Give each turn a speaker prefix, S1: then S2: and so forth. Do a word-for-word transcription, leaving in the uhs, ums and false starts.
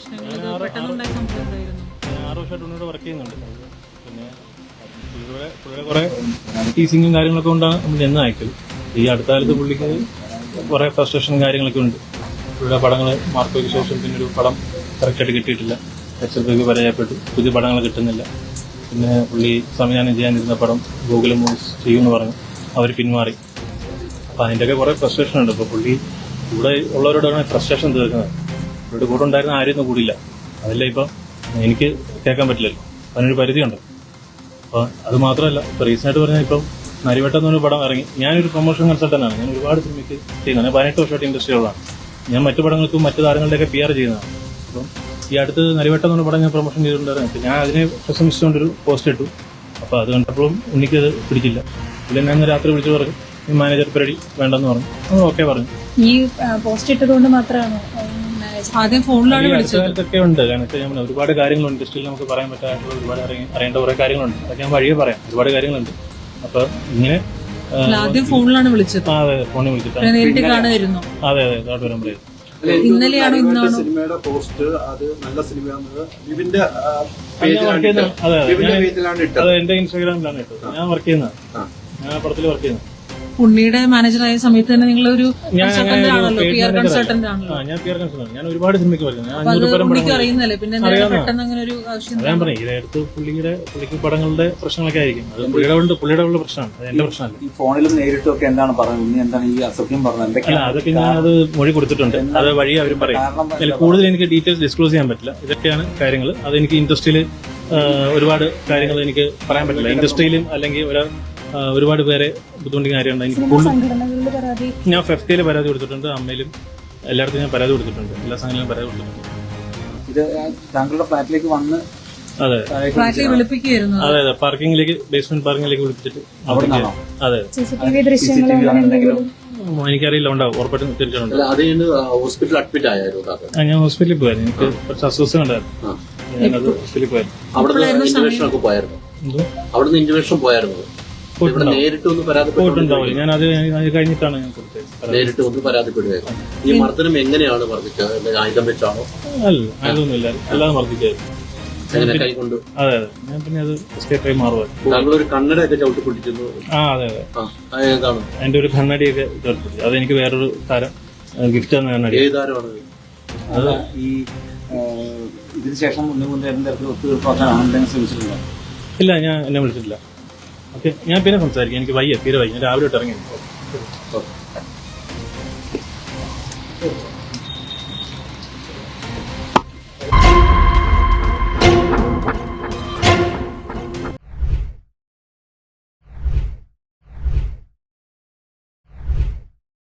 S1: ആറ് വർഷമായിട്ട് ഉണ്ണിയുടെ വർക്ക് ചെയ്യുന്നുണ്ട്. പിന്നെ പുള്ളിയുടെ പുള്ളിയുടെ കുറെ ടീസിങ്ങും കാര്യങ്ങളൊക്കെ കൊണ്ടാണ് നമ്മൾ എന്ന് അയക്കല്. ഈ അടുത്ത കാലത്ത് പുള്ളിക്ക് കുറെ ഫ്രസ്ട്രേഷനും കാര്യങ്ങളൊക്കെ ഉണ്ട്. പുള്ളിയുടെ പടങ്ങൾ മാർക്കോയ്ക്ക് ശേഷം പിന്നെ ഒരു പടം കറക്റ്റായിട്ട് കിട്ടിയിട്ടില്ല. എക്സൽക്ക് പരാജയപ്പെട്ടു, പുതിയ പടങ്ങൾ കിട്ടുന്നില്ല. പിന്നെ പുള്ളി സംവിധാനം ചെയ്യാനിരുന്ന പടം ഗൂഗിൾ മൂവീസ് ചെയ്യുമെന്ന് പറഞ്ഞു, അവർ പിന്മാറി. അപ്പം അതിൻ്റെയൊക്കെ കുറേ ഫ്രസ്ട്രേഷൻ ഉണ്ട്. ഇപ്പോൾ പുള്ളി ഇവിടെ ഉള്ളവരോടാണ് ഫ്രസ്ട്രേഷൻ തീർക്കുന്നത്. പുള്ളിയുടെ കൂടെ ഉണ്ടായിരുന്ന ആരെയൊന്നും കൂടിയില്ല. അതല്ല ഇപ്പം എനിക്ക് കേൾക്കാൻ പറ്റില്ലല്ലോ, അതിനൊരു പരിധിയുണ്ട്. അപ്പോൾ അത് മാത്രമല്ല, ഇപ്പോൾ റീസെൻ്റായിട്ട് പറഞ്ഞാൽ ഇപ്പം നരിവട്ടം എന്നൊരു പടം ഇറങ്ങി. ഞാനൊരു പ്രൊമോഷൻ കൺസൾട്ടൻ്റാണ്. ഞാൻ ഒരുപാട് സിനിമയ്ക്ക് ചെയ്യുന്നത്. ഞാൻ പതിനെട്ട് വർഷമായിട്ട് ഇൻഡസ്ട്രികളാണ്. ഞാൻ മറ്റു പടങ്ങൾക്കും മറ്റു താരങ്ങളുടെയൊക്കെ പി ആർ ചെയ്യുന്നതാണ്. അപ്പം ഈ അടുത്ത് നരിവട്ടം എന്നൊരു പടം ഞാൻ പ്രൊമോഷൻ ചെയ്തിട്ടുണ്ടായിരുന്നു. ഞാൻ അതിനെ പ്രശംസിച്ചുകൊണ്ടൊരു പോസ്റ്റ് ഇട്ടു. അപ്പോൾ അത് കണ്ടപ്പോഴും എനിക്കത് പിടിച്ചില്ല. പിന്നെ ഞാൻ രാത്രി വിളിച്ചു പറഞ്ഞു, ഈ മാനേജർ പരിപാടി വേണ്ടെന്ന് പറഞ്ഞു. അത് ഓക്കെ പറഞ്ഞു.
S2: ഈ പോസ്റ്റ് ഇട്ടതുകൊണ്ട് മാത്രമാണ് ആദ്യം ഫോണിലാണ്
S1: വിളിച്ചതൊക്കെ ഉണ്ട്. കാരണം വെച്ചാൽ ഞാൻ ഒരുപാട് കാര്യങ്ങളുണ്ട് ഇൻഡസ്ട്രിയിൽ നമുക്ക് പറയാൻ പറ്റാത്ത ഒരുപാട് അറിയേണ്ട കുറെ കാര്യങ്ങളുണ്ട്. അതൊക്കെ ഞാൻ വഴിയെ പറയാം. ഒരുപാട് കാര്യങ്ങളുണ്ട്. അപ്പൊ ഇങ്ങനെ
S2: ആദ്യം ഫോണിലാണ് വിളിച്ചത്.
S1: അതെ, ഫോണിൽ വിളിച്ചിട്ട്
S2: നേരിട്ട് കാണുമായിരുന്നു.
S1: അതെ അതെ തോട്ട് വരുമ്പോഴേ
S2: ഇന്നലെയാണോ ഇന്നാണോ
S3: സിനിമയുടെ പോസ്റ്റ്? അത് നല്ല സിനിമയാണെന്ന് വിവിന്റെ
S1: അതെ എന്റെ ഇൻസ്റ്റാഗ്രാമിലാണ് ഇട്ടത്. ഞാൻ വർക്ക് ചെയ്യുന്നത്, ഞാൻ പടത്തിൽ വർക്ക് ചെയ്യുന്നത്.
S2: ഉണ്ണിയുടെ മാനേജറായ സമയത്ത് തന്നെ നിങ്ങളൊരു കൺസൾട്ടന്റ് ആണല്ലോ, പി ആർ കൺസൾട്ടന്റ് ആണല്ലോ.
S1: ഞാൻ പി ആർ കൺസൾട്ടന്റ്. ഞാൻ ഒരുപാട് സിനിമയ്ക്ക്
S2: പറയുന്നത് ഉണ്ണിക്ക് അറിയുന്നല്ലേ, പിന്നെ പെട്ടെന്ന് അങ്ങനെ ഒരു ആവശ്യം.
S1: ഞാൻ പറഞ്ഞു ഇതിനടുത്ത് പുള്ളിയുടെ പുള്ളിക്ക് പടങ്ങളുടെ പ്രശ്നങ്ങളൊക്കെ ആയിരിക്കും. അത് പുള്ളിയുടെ ഉണ്ട്, പുള്ളിയുടെ ഉള്ള പ്രശ്നമാണ്. അത് എന്റെ പ്രശ്നമല്ല.
S4: ഈ ഫോണിലും നേരിട്ടൊക്കെ എന്താണ് പറയുന്നത്? ഉണ്ണി എന്താണ് ഈ അസഭ്യം പറഞ്ഞത്?
S1: അല്ല, അതൊക്കെ ഞാൻ അത് മൊഴി കൊടുത്തിട്ടുണ്ട്. അത് വഴി അവരും പറയും. കൂടുതൽ എനിക്ക് ഡീറ്റെയിൽസ് ഡിസ്ക്ലോസ് ചെയ്യാൻ പറ്റില്ല. ഇതൊക്കെയാണ് കാര്യങ്ങൾ. അതെനിക്ക് ഇൻഡസ്ട്രിയിൽ ഒരുപാട് കാര്യങ്ങൾ എനിക്ക് പറയാൻ പറ്റില്ല. ഇൻഡസ്ട്രിയിലും അല്ലെങ്കിൽ ഒരു ഒരുപാട് പേരെ ബുദ്ധിമുട്ടിക്കുന്ന കാര്യമുണ്ട്. എനിക്ക് ഞാൻ ഫെഫ്റ്റയിൽ പരാതി കൊടുത്തിട്ടുണ്ട്, അമ്മയിലും എല്ലായിടത്തും ഞാൻ പരാതി കൊടുത്തിട്ടുണ്ട്, എല്ലാ സംഘടനയിലും പരാതി കൊടുത്തിട്ടുണ്ട്.
S4: ഇത് താങ്കളുടെ ഫ്ലാറ്റിലേക്ക് വന്ന്
S1: അതെ
S2: വിളിപ്പിക്കുകയായിരുന്നു.
S1: അതെ അതെ പാർക്കിംഗിലേക്ക്, ബേസ്മെന്റ് പാർക്കിംഗിലേക്ക് വിളിപ്പിച്ചിട്ട്. അതെ എനിക്കറിയില്ല, ഉണ്ടാവും, ഉറപ്പായിട്ടും തീർച്ചയായിട്ടും.
S3: ഹോസ്പിറ്റലിൽ അഡ്മിറ്റ് ആയിരുന്നു.
S1: ഞാൻ ഹോസ്പിറ്റലിൽ പോയായിരുന്നു. എനിക്ക് കുറച്ച് അസ്വസ്ഥത ഉണ്ടായിരുന്നു. ഞാനത് ഹോസ്പിറ്റലിൽ പോയായിരുന്നു.
S3: അവിടുന്ന് ഇന്റർവെൻഷൻ പോയായിരുന്നു. നേരിട്ട് ഒന്ന്
S1: പരാതിപ്പെട്ടുണ്ടാവില്ല. ഞാൻ അത് കഴിഞ്ഞിട്ടാണ് ഞാൻ കൊടുത്തത്.
S3: നേരിട്ട് ഒന്ന് പരാതിപ്പെടുകയായിരുന്നു. ഈ മർദ്ദനം എങ്ങനെയാണ് മർദ്ദിച്ചത്? ആയുധം വെച്ചാണോ?
S1: അല്ല, ആയുധമൊന്നുമില്ല, അല്ലാതെ മർദ്ദിക്കായിരുന്നു.
S3: കൈകൊണ്ട്.
S1: അതെ അതെ ഞാൻ പിന്നെ അത് എസ്കേപ്പ് ആയി മാറുമായിരുന്നു.
S3: താങ്കൾ ഒരു കണ്ണടയൊക്കെ ചവിട്ടി പിടിച്ചിരുന്നു.
S1: ആ അതെ അതെ
S3: ഏതാണ്?
S1: എന്റെ ഒരു കണ്ണടിയൊക്കെ ചവിട്ടി പിടിച്ചു. അതെനിക്ക് വേറൊരു താരം ഗിഫ്റ്റ് തന്ന കണ്ണടി.
S3: ഏത് താരമാണ്
S4: അത്? ഈ ഇതിന് ശേഷം എന്തെങ്കിലും തരത്തിൽ ഒത്തുതീർപ്പാക്കാൻ എന്തെങ്കിലും ശ്രമിച്ചിട്ടുണ്ടോ?
S1: ഇല്ല, ഞാൻ എന്നെ വിളിച്ചിട്ടില്ല. ഓക്കെ, ഞാൻ പിന്നെ സംസാരിക്കാം. എനിക്ക് വയ്യ, തീരെ വയ്യ. ഞാൻ രാവിലെ തൊട്ട് ഇറങ്ങി.